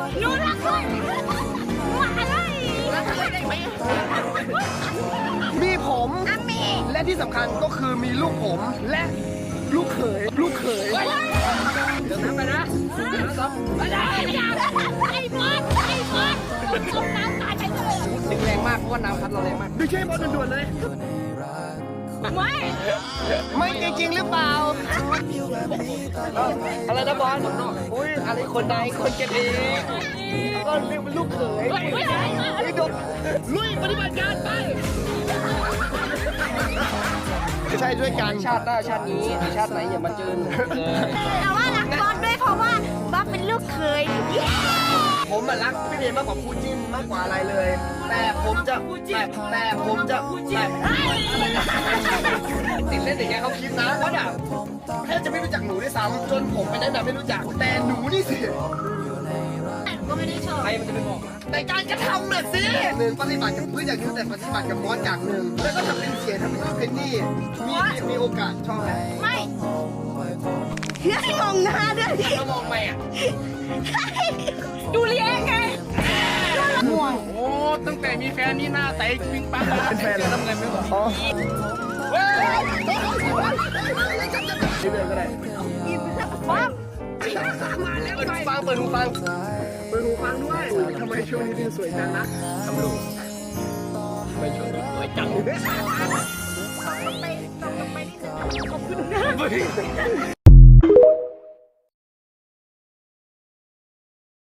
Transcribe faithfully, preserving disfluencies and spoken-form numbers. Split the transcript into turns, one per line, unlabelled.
หนูรักคุณมาเลย
มีผม
อามี
และที่สำคัญก็คือมีลูกผมและลูกเขยลูกเขย
เดี๋ยวน้ำไปนะเดี๋ยวน้ำซ้ำ
ไอ้ยาไอ้บอสไอ้บอสจมน้ำตายไปเลย
ดึงแรงมากเพราะว่าน้ำพัดเราแรงมาก
ไม่ใช่บอลด่วนๆเลย
ไม่
ไม่จริงๆหรือเปล่า อะไรนะบอลอุ้ยอะไรคนใดคนเก็บเองก็เรียกเป็นลูกเขย
ไม่ไม่ไม่
ไอ้ดกลุยปฏิบัติการไปใช่ด้วยกัน
ชาติหน้าชาตินี้หรือชาติไหนอย่ามาเจอหนูเลย
แต่ว่ารักบอสด้วยเพราะว่าบอสเป็นลูกเคย
ผมอะรักพี่เดนมากกว่าคู่จิ้นมากกว่าอะไรเลย แต่ผมจะแต่แต่ผมจะแต่ติดเล่นอย่างเงี้ยเขาคิดนะว่าแบบแทบจะไม่รู้จักหนูด้วยซ้ำจนผมไปแนะนำไม่รู้จักแต่หนูนี่สิ
ก็ไม่ได้ชอบ
ใครมันจะไปบอก
ในการกระทำน่ะสิหนึ่งปฏิบัติกับเพื่อนอย่างหนึงแต่ปฏิบัติกับบอสอย่างหนึ่งแล้วก็ทำเป็นเสียทำเป็นเพนนี่มีมีมีโอกาสชอบไหม
ไม่ให้มองหน้าด้วยดิ
ถ้ามองไปอ่ะ
ดูเลี้ยงไงม่วง
โอ้ตั้งแต่มีแฟนนี่หน้าใสปิงปังเป็นแฟนแล้วทำไงไม่บอก
อ๋อชื่อเรื่องก็ได้
บ้า
เปิดหูฟังเปิดหูฟังเปิดหูฟังด้วยทำไมช่วงนี้ดิวสวยจังนะทำลูก
ไม่ชวนสวยจัง
ไปต่อไปนี่ขอบคุณนะ